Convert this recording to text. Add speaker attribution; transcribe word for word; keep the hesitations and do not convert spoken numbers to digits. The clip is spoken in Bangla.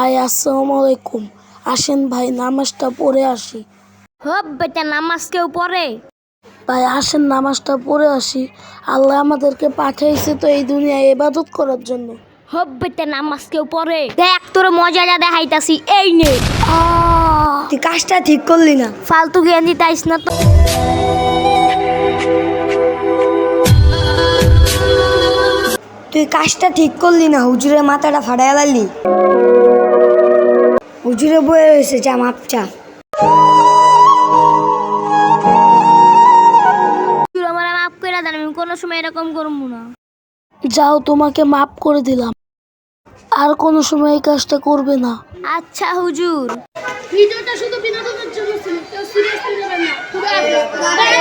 Speaker 1: ভাই আসসালামু আলাইকুম, আসেন ভাই নামাজটা পড়ে আসি।
Speaker 2: হব বেটা, নামাজ কেউ পড়ে?
Speaker 1: ভাই আসেন নামাজটা পড়ে আসি। আল্লাহ আমাদেরকে পাঠাইছে তো এই দুনিয়ায় ইবাদত করার জন্য।
Speaker 2: হব বেটা, নামাজ কেউ পড়ে? দেখ তোর মজাটা দেখাইতাছি, এই নে।
Speaker 1: আহ,
Speaker 3: তুই কাজটা ঠিক করলি না।
Speaker 2: ফালতু জ্ঞান দিতাইস না তো।
Speaker 3: তুই কাজটা ঠিক করলি না, হুজুরের মাথাটা ফাটাইয়া লাইলি। হুজুরে বয়ে রয়েছে, চা মাপ চা।
Speaker 2: তুই আমার মাফ করে দেন, আমি কোনো সময় এরকম করবো না।
Speaker 1: যাও, তোমাকে মাফ করে দিলাম, আর কোনো সময় এই কাজটা করবে না।
Speaker 2: আচ্ছা হুজুর।
Speaker 4: ভিডিওটা শুধু বিনোদনের জন্য ছিল, কেউ সিরিয়াসলি নেবেন না। খুদা হাফেজ।